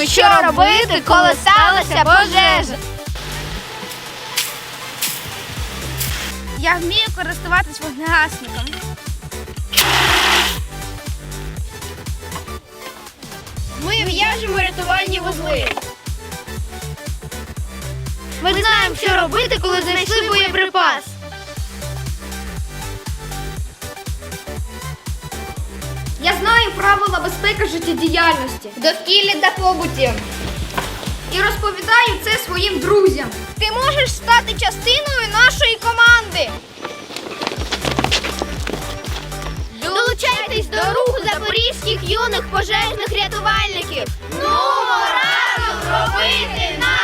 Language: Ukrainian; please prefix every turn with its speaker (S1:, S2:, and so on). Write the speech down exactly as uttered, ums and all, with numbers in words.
S1: знаємо, що робити, коли сталася пожежа.
S2: Я вмію користуватись вогнегасником.
S1: Ми в'яжемо рятувальні вузли. Ми знаємо, що робити, коли знайшли боєприпас. Я знаю правила безпеки життєдіяльності, довкілля та побуті. І розповідаю це своїм друзям.
S2: Ти можеш стати частиною нашої команди.
S1: Долучайтесь до руху запорізьких юних пожежних рятувальників. Ну, разом робити на